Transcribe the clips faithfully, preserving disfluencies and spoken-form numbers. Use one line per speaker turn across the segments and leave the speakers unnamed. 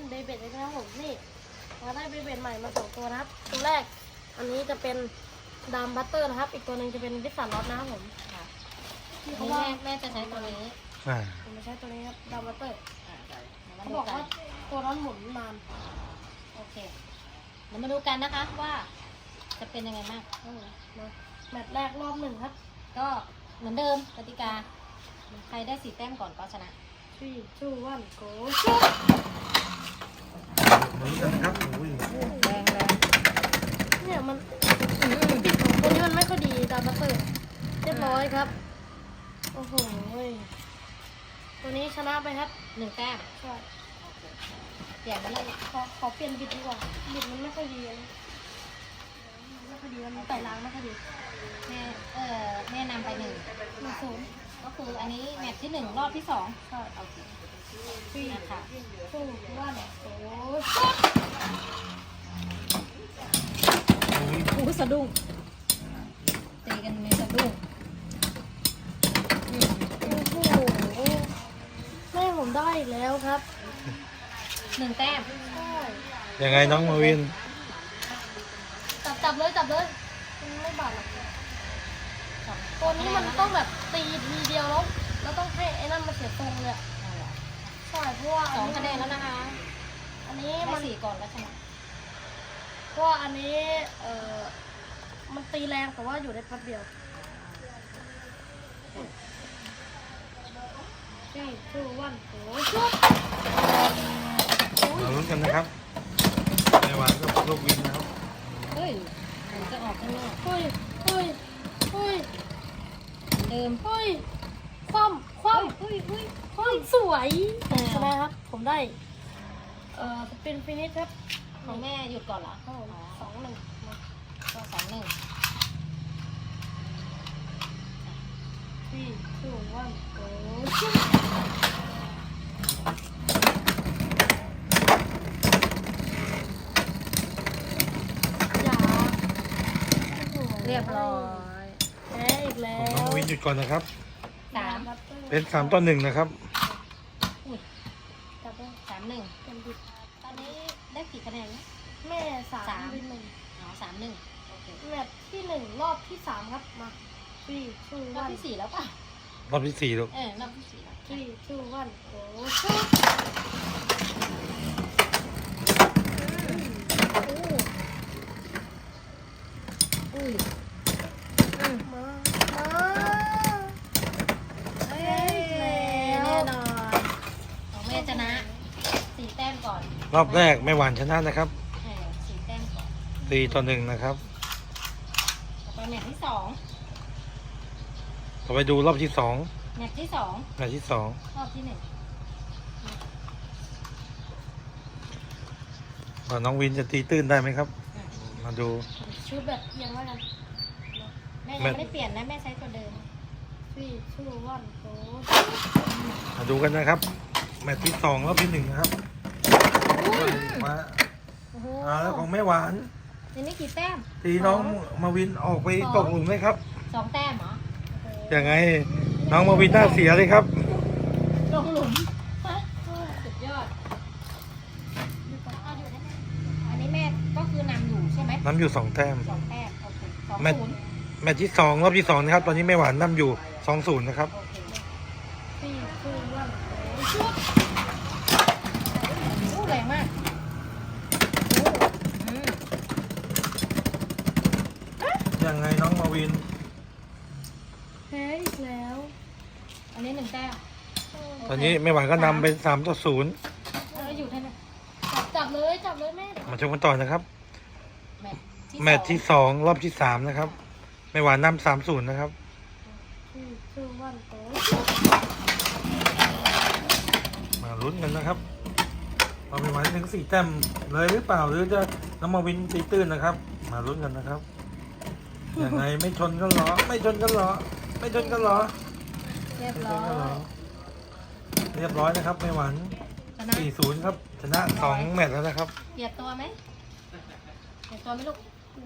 เบเบ็ดเลยนะครับผมนี่เราได้เบเบ็ดใหม่มาสองตัวนะครับตัวแรกอันนี้จะเป็นดามบัตเตอร์นะครับอีกตัวหนึ่งจะเป็นวิสสันล็อตนะครับผมที่เขาว่าแม่จะใช้ตัวนี้ผมจะใช้ตัวนี้ครับดามบัตเตอร์เขาบอกว่าตัวนั้นหมุนนานโอเคเรามาดูกันนะคะว่าจะเป็นยังไงบ้างแมตช์แรกรอบหนึ่งครับก็เหมือนเดิมกติกาใครได้สี่แต้มก่อนก็ชนะสี่ชูวันโกชุด
เหมือนกันครับโอ้ย
แรงแรงเนี่ยมันปิดของตัวนี้มันไม่ค่อยดีดามบัตเตอร์เรียบร้อยครับโอ้โหตัวนี้ชนะไปครับหนึ่งแต้มใช่เปลี่ยนไปเลยขอขอเปลี่ยนบิดดีกว่าบิดมันไม่ค่อยดีไม่ค่อยดีมันไต่ล้างไม่ค่อยดีแม่เออแม่นำไปหนึ่งหนึ่งศูนย์ก็คืออันนี้แมตช์ที่หนึ่งรอบที่สองใช่โอเคปีนะคะสู้ว่าเนี่ยโอ้ยโอ้สะดุ้งตีกันในสะดุ้งโอ้โหแม่ผมได้แล้วครับหนึ่งแต้ม
ยังไงน้องมาวิน
จับจับเลยจับเลยมันไม่บาดหรอกตัวนี้มันต้องแบบตีทีเดียวแล้วแล้วต้องให้ไอ้นั่นมาเสียตรงเลยใช่เพราะว่าสองคะแนนแล้วนะคะอันนี้มันสี่ก่อนแล้วใช่ไหมเพราะว่าอันนี้เอ่อมันตีแรงแต่ว่าอยู่ได้แป๊บเดียวสี่ชูวันโอ้ยชุด
มาลุ้นกันนะครับในวันก็ลูกวินนะครับ
เฮ้ยผมจะออกข้างนอกเฮ้ยเฮ้ยเฮ้ยเดิมเฮ้ยคว่ำคว่ำเฮ้ยเฮ้ยคว่ำสวยใช่ไหมครับผมได้เอ่อเป็นฟินิชครับของแม่หยุดก่อนเหรอสองหนึ่งก็สองหนึ่งสี่ชูวันโอ้ชิเรียบร้อยแพ้อีกแล้ว
น้องวินหยุดก่อนนะครับ
สาม
เป็นสามต่อหนึ่งนะครับ
จับได้สามหนึ่งเป็นบิดตอนนี้ได้กี่คะแนนนะแม่สามวินหนึ่งอ๋อสามหนึ่งโอเคแมตช์ที่หนึ่งรอบที่สามครับมาสี่ชูวันรอบที่สี่แล้วป่ะ
รอบที่สี่ลูก
เออรอบที่สี่แล้วสี่ชูวันโอ้ชุดอุ้ยมามาเฮ้ยแน่นอนของแม่ชนะสี่แต้มก่อน
รอบแรกไม่หวานชนะนะครับ
สี่แต้มก่อน
สี่ต่อหนึ่งนะครับ
ต่อไปแมตช์ที่สอง
ต่อไปดูรอบที่สอง
แมตช์ที่สอง
แมตช์ที่สอง
รอบที่หนึ่ง
น้องวินจะตีตื้นได้ไหมครับมาดู
ชุดแบบเอียงแล้วกันแม่ยังไม่ได้เปลี่ยนนะแม่ใช้ตัวเดิมสี่ชูวันโอ้
มาดูกันนะครับแมตช์ที่สองรอบที่หนึ่งนะครับมาอ่าแล้วของแม่หวาน
ทีนี้กี่แต้ม
ตีน้องมาวินออกไปตกหลุมไหมครับ
สองแต้มเหรอ
ยังไงน้องมาวินหน้าเสียเลยครับ
ลงหลุมสุดยอดอันนี้แม่ก็คือนำอยู่ใช่ไหม
นำอยู่สองแต้ม
สองแต้มโอเคสองศูนย์
แมตช์ที่สองรอบที่สองนะครับตอนนี้แม่หวานนำอยู่สองศูนย์นะครับ
สี่ศูนย์วันชุดโอ้แรงมาก
ยังไงน้องมาวิน
แพ้อีกแล้วอันนี้หนึ่งแต้ม
ตอนนี้แม่หวานก็นำเป็นสามต่อศูนย์
อยู่ท่านจับจับเลยจับเลยแม่
มาชมกันต่อนะครับแมตช์ที่สองรอบที่สามนะครับแม่หวานนำสามศูนย์นะครับมาลุ้นกันนะครับเราแม่หวานถึงสี่แต้มเลยหรือเปล่าหรือจะน้องมาวินตีตื้นนะครับมาลุ้นกันนะครับยังไงไม่ชนกันหรอไม่ชนกันหรอไม่ชนกันหรอ
เรียบร้อย
เรียบร้อยนะครับแม่หวานสี่ศูนย์ครับชนะสองแมตช์แล้วนะครับ
เปลี่ยนตัวไหมเปลี่ยนตัวไหมลูก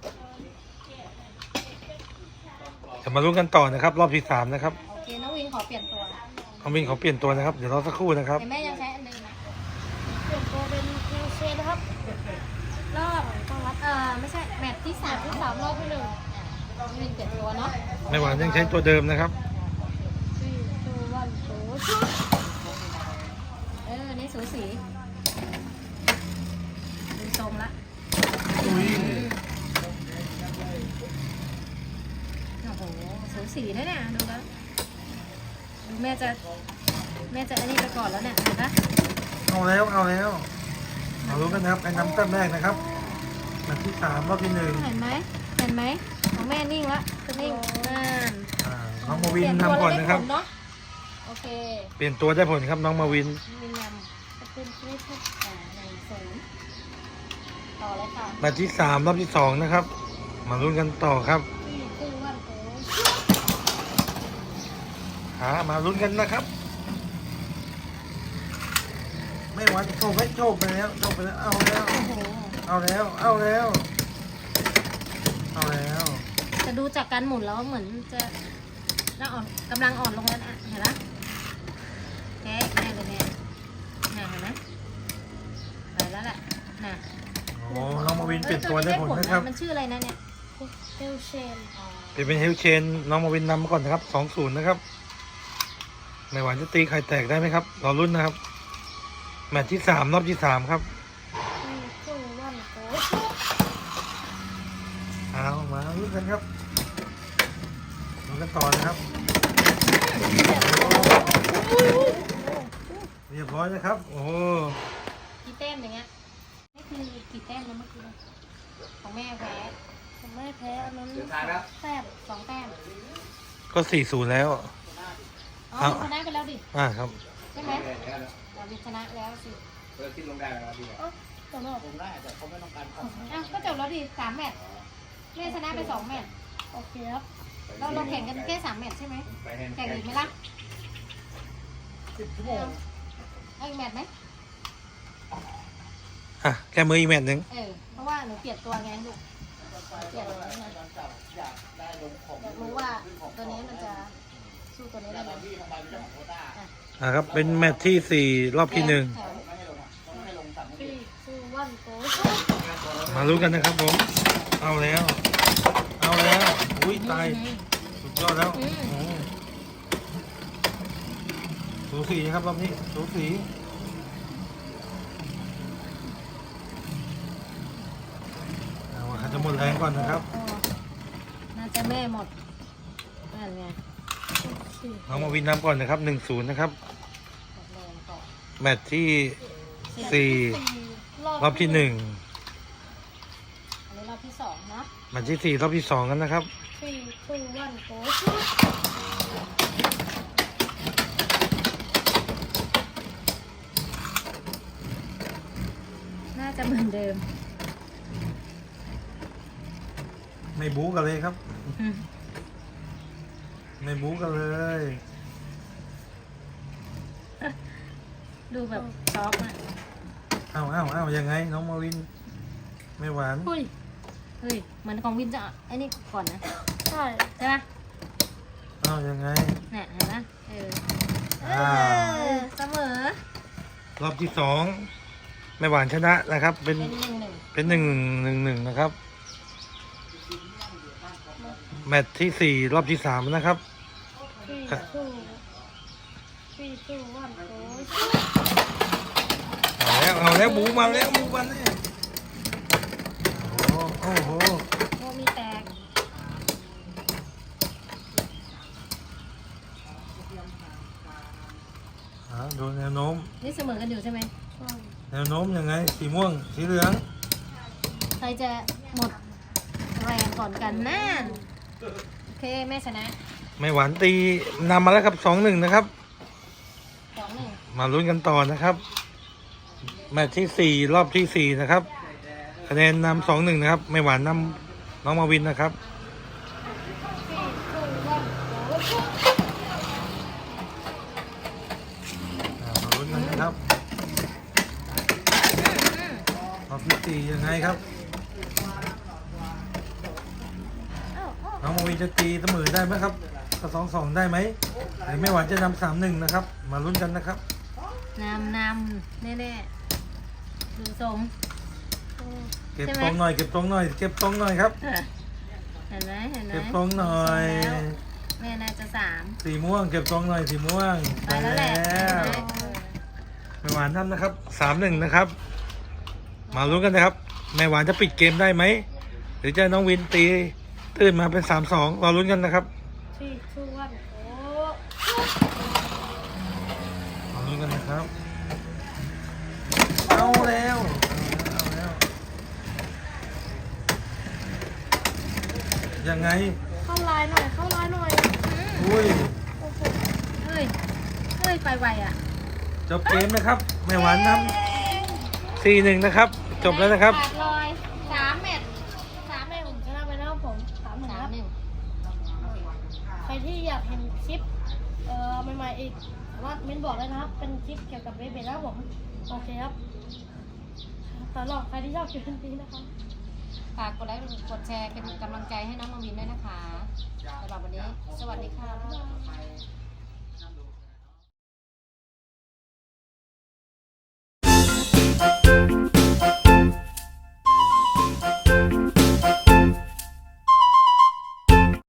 จะมาลุ้นกันต่อนะครับรอบที่สามนะครับ
โอเคน้องวินขอเปลี่ยนตัว
น้องวินขอเปลี่ยนตัวนะครับเดี๋ยวรอสักครู่นะครับ
แม่ยังใช้อันเดิมนะเปลี่ยนตัวเป็นเป็นเฮลเชนนะครับ รอบต้องรับ
เอ่อไม่ใช่แมตช์ที่
สา
สาม ม
ที่สามรอบที่หนึ่ง
วินเปลี่ยนตัวเนาะ
ไม่หวานยังใช้ตัวเดิมนะครับ
สี่ทูวันโอ้ชุด
เออนี่สูสีดูทรงละ
อุ้ย
โอ้โหสูสีนะเนี่ยดูแล้วดูแม่จะแม่จะอันนี้ไปก่อนแล้วเนี่ยเห็นปะ
เอาแล้วเอาแล้วมาลุ้นกันนะครับใครนำแต้มแรกนะครับแมตช์ที่สามรอบที่หนึ่ง
เห็นไหมเห็นไหมของแม่นิ่งละจะนิ่งนั่น
อ่าน้องมาวินนำก่อนนะครับ
เปลี่ยตัวแล้วได้ผลเนาะโอเค
เปลี่ยนตัวได้ผลครับน้องมาวิน
วินน
จะเป็นคลิปครับ
ำอ่าหนึ่งศูนย์ต่อเลยค่ะ
แมตช์ที่สามรอบที่สองนะครับ มาลุ้นกันต่อครับ
สี่ทูวันโอ้ชุด
หามาลุ้นกันนะครับ ไม่หวานโชว์ไม่โชว์ไปแล้วโชว์ไปแล้วเอาแล้ว
โอ้โห
เอาแล้วเอาแล้วเอาแล้ว
จะดูจากการหมุนแล้วเหมือนจะน่าอ่อนกำลังอ่อนลงแล้วนะเห็นปะแค่แค่เลยเนี่ยน่ะเห็นไหมไปแล้วแหละน่ะ
โอ้น้องมาวินเปลี่ยนตัวได้ผลนะครับ
มันชื่ออะไรนะเนี่ย
เฮลเชน
เปลี่ยนเป็นเฮลเชนน้องมาวินนำมาก่อนนะครับสองศูนย์นะครับไม่หวานจะตีไข่แตกได้ไหมครับรอรุ่นนะครับ แมตช์ที่สามรอบที่สามครับ
สี่ทูวันโอ้ชุด
เอามาลุ้นกันครับลุ้นกันต่อนะครับ เรียบร้อยนะครับ โอ้โห
กี่แต้มอย่างเงี้ยนี่คือกี่แต้มนะเมื่อกี้ของแม่แพ้
ผมไม่แพ้อันนั้นแต้ม
สองแต้ม
ก็สี่ศูนย์แล้ว
อ๋อ
เอ้า
ชนะไปแล้วดิ
อ่าครับ
ใช่ไหมเราชนะแล้วสิ
เอ้าต่อรอบ
อ้าวก็จบแล้วดิสามแมตช์แม่ชนะไปสองแมตช์
โอเคครับ
เราเราแข่งกันแค่สามแมตช์ใช่ไหมแข่งอีกไหมล่ะ
สิบชั่วโมง
เอาอีกแมตช์ไหม
อ่ะแค่มืออีกแมตช์หนึ่ง
เออเพราะว่าหนูเปลี่ยนตัวไงลูกเปลี่ยนตัวไงอยากรู้ว่าตัวนี้มันจะสู้ตัวนี้ได้ไหม
อ่าครับ เป็นแมตช์ที่สี่รอบที่หนึ่ง
แถว
สี่ทูวันโอ้ชุด
มาลุ้นกันนะครับผม เอาแล้ว เอาแล้ว อุ้ยตาย สุดยอดแล้วโอ้โหสูสีนะครับรอบนี้สูสีเอาอาจจะหมดแรงก่อนนะครับ
อ๋อน่าจะแม่หมดนั่นไง
สี่
น้องมาวินนำก่อนนะครับหนึ่งศูนย์นะครับ
หมดแรงก่อน
แมตช์ที่สี่รอบที่หนึ่ง
อันนี้รอบที่สองเนาะ
แมตช์ที่สี่รอบที่สองกันนะครับ
สี่ทูวันโอ้ชุด
น่าจะเหมือนเดิม
ไม่บู๊กันเลยครับ ไม่บู๊กันเลย
ดูแบบซอฟต์อะ
เอาเอาเอายังไงน้องมาวิน ไม่หวาน
อุ้ย
เฮ้ยเหมือนของวินจะไอ้นี่ก่อนนะ
ใช่
ใช่ปะ
เอายังไง
เนี่ยเห็นปะเออเอ
อ่า
อเสมอ
รอบที่สองไม่หวานชนะนะครับ เป็น
เป็นหนึ่งหนึ่ง
เป็นหนึ่งหนึ่งหนึ่งนะครับ แมตช์ที่สี่รอบที่สามนะครับ
สี่ทูสี่ทูวันโอ้ชุด
เอาแล้วเอาแล้วบูมาแล้วบูมาแล้วโอ้โหโอ้โห
โมมีแตก
อ่าดูแนวโน้ม
นี่เสมอกันอยู่ใช่ไหม
ใช่
แนวโน้มยังไง สีม่วง สีเหลือง
ใครจะหมดแรงก่อนกันน่าโอเคแม่ชนะ
ไม่หวานตีนำมาแล้วครับสองหนึ่งนะครับ
สองหนึ่ง
มาลุ้นกันต่อนะครับ แมตช์ที่สี่รอบที่สี่นะครับ คะแนนนำสองหนึ่งนะครับ ไม่หวานนำน้องมาวินนะครับ
สี่ทูวันโอ้ชุด
อ่ามาลุ้นกันนะครับ รอบที่สี่ยังไงครับ
อ้าวอ้าว
น้องมาวินจะตีเสมอได้ไหมครับก็สองสองได้ไหมหรือไม่หวานจะนำสามหนึ่งนะครับ มาลุ้นกันนะครับ
นำนำแน่ๆดูทรง
เก็บตรงหน่อยเก็บตรงหน่อยเก็บตรงหน่อยครับ
เห็นไหมเห็นไหม
เก็บตรงหน่อย
แล้วแม่น่าจะสาม
สีม่วงเก็บตรงหน่อยสีม่วง
ไปแล้วแหละ
วแม่หวานทำนะครับสามหนึ่งนะครับ มาลุ้นกันนะครับแม่หวานจะปิดเกมได้ไหมหรือจะน้องวินตีตื่นมาเป็นสามสองรอลุ้นกันนะครับ
ที่ชูวันโอ้
รอลุ้นกันนะครับเอาแล้วเอาแล้วยังไง
เข้าไลน์หน่อยเข้าไลน์หน่อย
อุ้ย
โอ้โห
เฮ้ยเฮ้ยไปไวอ่ะ
จบเกมนะครับแม่หวานทำสี่หนึ่งนะครับ จบแล้วนะครับ
ขาดลอยสามเม็ด
สามเองผมชนะไปแล้วผมสามหนึ่ง
สา
ค
ม
รับ
หนึ่ง
ใครที่อยากเห็นคลิปเอ่อใหม่ๆอีกสามารถเม้นบอกได้นะครับ เป็นคลิปเกี่ยวกับเบเบ้นะครับผมโอเคครับตลอดใครที่ชอบคลิปนี้นะครับ
ฝากกดไลค์กดแชร์เป็นกำลังใจให้น้องมาวินด้วยนะคะสำหรับวันนี้ สวัสดีค่ะ